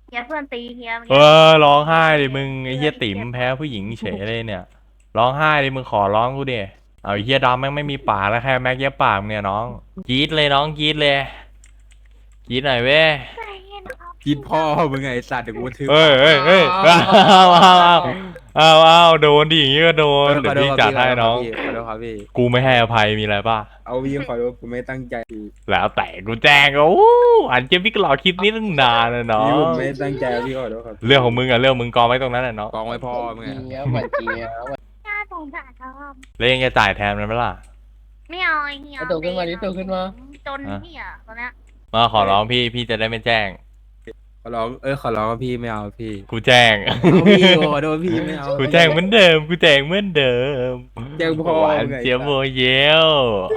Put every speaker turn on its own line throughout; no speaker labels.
เฮียเพื่อนตีเฮีย
ร้องไห้ดิมึงไอ้เหี้ยติ๋มแพ้ผู้หญิงเฉยเลยเนี่ยร้องไห้ดิมึงขอร้องกูดิเอาไอ้เหี้ยดำแม่งไม่มีปากแล้วแค่แม็กเย็บปากเนี่ยน้องกรี๊ดเลยน้องกรี๊ดเลยกรี๊ดหน่อยเว้ย
กินพ่อมึงไงไอ้สัตว์เดี๋ยวกูทึบ
เอ้ยเอาโดนดิอย่างงี้ก็โดนเดี๋ยวพี่จัดให้น้อง
ขอโทษครับพี่
กูไม่ให้อภัยมีอะไรป่ะ
เอาพี่ขอโทษกูไม่ตั้งใจพี่
แล้วแต่กูแจ้งก็อันเจพี่ก็รอคลิปนี้ตั้งนานนะน้อ
พี่ผ
ง
มไม่ตั้งใจพี่ขอโทษครับ
เรื่องของมึงอะเรื่องมึงกองไว้ตรงนั้นแหละเนาะ
กองไว้พ่อมึงไง
เจี๊ยบหวานเจี๊ยบ
น่าสงสารเขา
แล้วยังจะจ่ายแทนมันไหมล่ะ
ไม่เอาเฮียจนเฮียตอนนี้
มาขอร้องพี่จะได้ไม่แจ้ง
ขอร้องขอร้องว่าพี่ไม่เอาพี่
กูแจ้ง
พี่ขอโทษพี่ไม่เอา
กูแจ้งเหมือนเดิมกูแจ้งเหมือนเดิม
แจ้งพ่อ
หวานเจี๊ยบโมเยล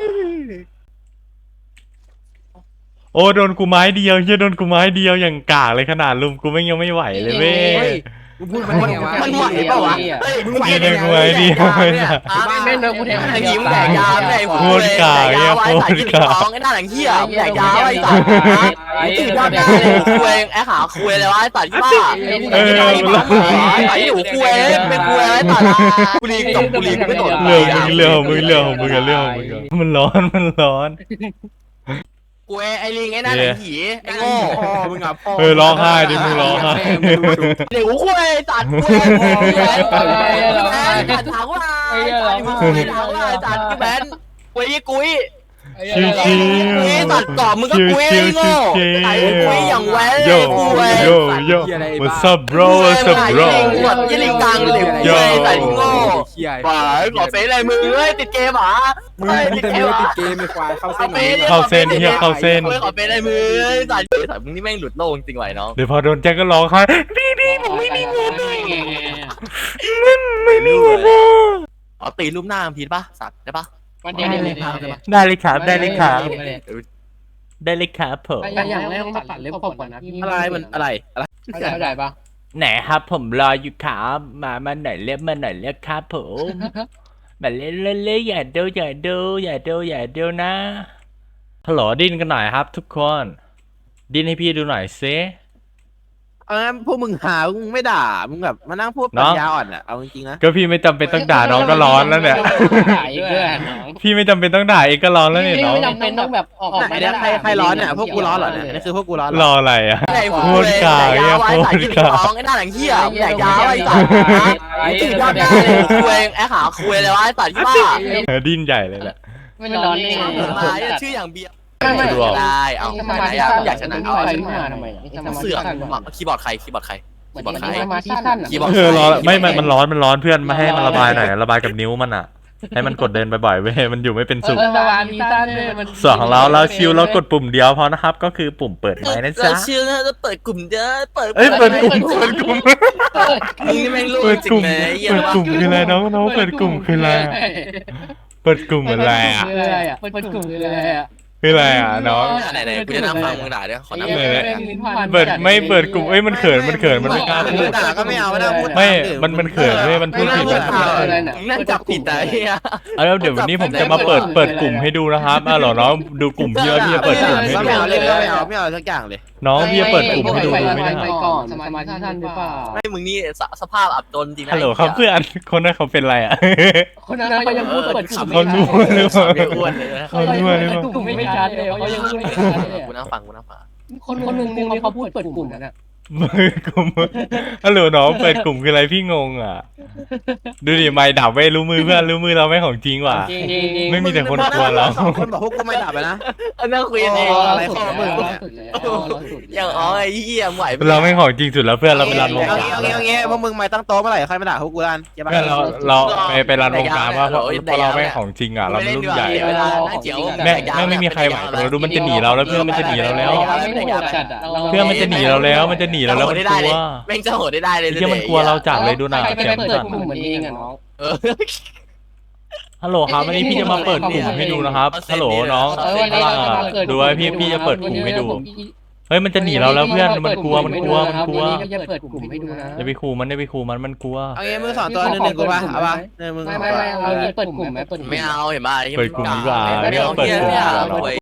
โอ้โดนกูไม้เดียวเฮียโดนกูไม้เดียวอย่างกากเลยขนาดลุมกูไม่ยังไม่ไหวเลยเว้ย
มึงพูดมันไงวะ
มันไหวเปล่าวะ
มึงไหว
โดนกูไม้เดียวเนี่ย
แม่งเดินกูแทง
ไอ้ยิ้มแดกยาไอ้
โคตรกากเนี่ยโคตรกาก
ไอ้หน้าหลังเหี้ยแดกยาไอ้สัตว์ไอ้ตื่นยอดได้คุยไอ้หาคุยเลยวะไอ้สัตว์ที่บ้าไอ้หูคุยเป็นคุยไอ้สัตว์กูรีจบกูรีไม่โดน
เรื่องของมึงมันร้อน
กูไอ้ลิงไอ้หน้าหลังผีไอ้โง่
พ่อมึงอ่ะพ่อ
ร้องไห้ดิมึงร้องไห้
เดี๋ยวกูคุยสัตว์คุยไอ้สัตว์ถามว่าไอ้สัตว์คุยถามว่าไอ้สัตว์กูแบนคุยกุ้ย
ชิว
คุยตัดต่อมึงก็คุยไอ้โง่ไอ้คุยอย่างแว้น
โย
คุย
โย what's up bro what's up bro
หมดยี่ลิงกังเลยคุยใส่โง่
เขี้ย
บ่าขอเฟซอะไรมึงเอ้ยติดเกมอ่ะ
มึงจะไม่ติดเกมไม่ควายเข้าเส้น
เข้าเส้นเฮียเข้าเส้น
ขอเฟซอะไรมึงใส่ใส่มึงนี่แม่งหลุดโลกจริงไหวน้อง
เดี๋ยวพอโดนแจ็คก็ร้องไห้พี่ผมไม่มีเงินไม่มีเงิน
อ๋อตีรูปหน้าพีดป่ะสัตว์ได้ป่ะ
วันเดียวเลย
ได้เลยครับได้เลยครับผม
อย่างแรกต้องตัดเล็บขบก่อนนะพี่
อะไรมันอะไร
เข้าใจปะ
ไหนครับผมรออยู่ครับมาหน่อยเรียกมาหน่อยเรียกครับผมมาเล่นอย่าดูนะฮัลโหลดิ้นกันหน่อยครับทุกคนดิ้นให้พี่ดูหน่อยซิ
พวกมึงหามึงไม่ด่ามึงแบบมานั่งพูดปัญญาอ่อนอ่ะเอาจริงๆนะ
ก็พี่ไม่จำเป็นต้องด่าน้องก็ร้อนแล้วเนี่ย
ถ่ายด้วยน้อง
พี่ไม่จำเป็นต้องด่าเองก็ร้อนแล้วเนี่ยน้อง
ไม่จำเป็นต้องแบบออก
ไหนเนี่ยใครร้อนเนี่ยพวกกูร้อนเหรอเนี่ยนี่คือพวกกูร้อน
รออะไรอ่ะ
ไอ้หัวกาไอ้ใส่ยี่ลิงกังไอ้หน้าหลังเหี้ยแดกยาไอ้สัตว์ไอ้ตื่นยอดได้คุยไอ้หาคุยเลยวะไอ้สัตว์ที่บ้า
ดิ้นใหญ่เลยแหละ
ไม่ร้อนเลย
มาชื่ออย่างเบียร์
ไม่
ได้เอา
สมาธิ
อยากชนะเอา
ไปขึ้นมาทำไม
เสือกคีย์บอร์ดใครคีย์บอร์ดใคร
สมาธิสั้น
ร้อนไม่มันร้อนเพื่อนมาให้มันระบายหน่อยระบายกับนิ้วมันอ่ะให้มันกดเดินบ่อยๆเว้ยมันอยู่ไม่เป็นสุข
สมาธิสั้นเลยมัน
สองเราชิลแล้วกดปุ่มเดียวพอนะครับก็คือปุ่มเปิดไม้นะจ๊ะ
เราชื่อจะเปิดกลุ่มเด้อเปิด
เปิดกลุ่ม
มึงนี่แม่งลูก
เปิด
จริ
กลุ่
ง
ม
เลย
เปิดกลุ่มคืออะไรน้องเปิดกลุ่มคืออะไรเปิดกลุ่มอะไรอ่ะ
เปิดกลุ่มคืออะไรอ่ะ
คืออะไรอ่ะน้อง
ไหนกูจะนั่งฟังมึงด่าเดี๋ยวขอนั่ง
เปิดไม่เปิดกลุ่มมันเขินมันไม่กล้าพูด
ด่าก็ไม่เอาไม่ได้พูด
ไม่มันเขินเว้ยมันพูดผิดมัน
นั่งจับผิดแต่เฮีย
แล้วเดี๋ยววันนี้ผมจะมาเปิดกลุ่มให้ดูนะครับเหรอน้องดูกลุ่มพี่ว่าพี่จะเปิดกลุ่มให้ดู
ไม่เอาเลยไม่เอาสักอย่างเลย
น้องพี่จะเปิดกลุ่มให้ดูไม่ได้
ไปก่อนสมาธิสั้นหรือเปล่า
ไม่มึงนี่สภาพอับจนจริงนะ
ฮัลโหลครับเพื่อนคนนั้นเขาเป็นไรอ่ะ
คนนั้นเขายังพูดเปิดกลุ่ม
เขารู้หรือเปล่า
ไม่อ้วนเลย
เขารู้หรือเปล่าก
ลุ่มไม่ชัดเลยเขายังพูดไม่ชัดเลย
กูนั่งฟังกูนั่งฟัง
คนหนึ่งเขาพูดเปิดกลุ่มนั่นแหละ
กลุ่มฮัลโหลน้องเปิดกลุ่มคืออะไรพี่งงอ่ะดูดิไม่ดับไว้รู้มือเพื่อนรู้มือเราไม่ของจริงว่ะไม่มีแต่คนกลัวเรา
คนบอกพวกกูไม่ด่าไปนะ
นั่งคุยกันเอง
อะไรของมึง
อย่างอ๋อไอ้เหี้ยไหว
เราไม่ของจริงสุดแล้วเพื่อนเราไปรันวง
เอา
การ
งี้พวกมึงไม่ตั้งโต๊ะเมื่อไหร่ใครมาด่าพวกกูกัน
เพื่อนเราไปรันวงการว่าเพราะเราไม่ของจริงอ่ะเราไม่รุ่นใหญ่
เวลานั่งเจียว
แม่ไม่มีใครไหวเราดูมันจะหนีเราแล้วเพื่อนมันจะหนีเราแล้ว เพื่อนมันจะหนีเราแล้วมันกลัว
แม่งจะโหดได้เลย
เพื่อนมันกลัวเราจัดเลยดูหนา
ใคร
แก
ไป
ม
เปิด
จัด
กลุ่มเหมือนเองอ่ะน้อง
ฮัลโหลครับวันนี้พี่จะมาเปิดกลุ่มให้ดูนะครับฮัลโหลน้องดูไว้พี่จะเปิดกลุ่มให้ดูเฮ้ยมันจะหนีเราแล้วเพื่อนมันกลัว
จะเปิดกลุ่มให้ดูนะ
อย่าไปขู่มันกลัว
เอางี้มึงสอนตัวหนึ่งกูป่ะเอาป่ะเนี่ยมึง
ไม่เอาเปิดกลุ่มไหมเปิด
ไม่เอาเห็นป่ะ
เปิดกลุ่มดีกว่า
ไม่เอาเปิดกลุ่ม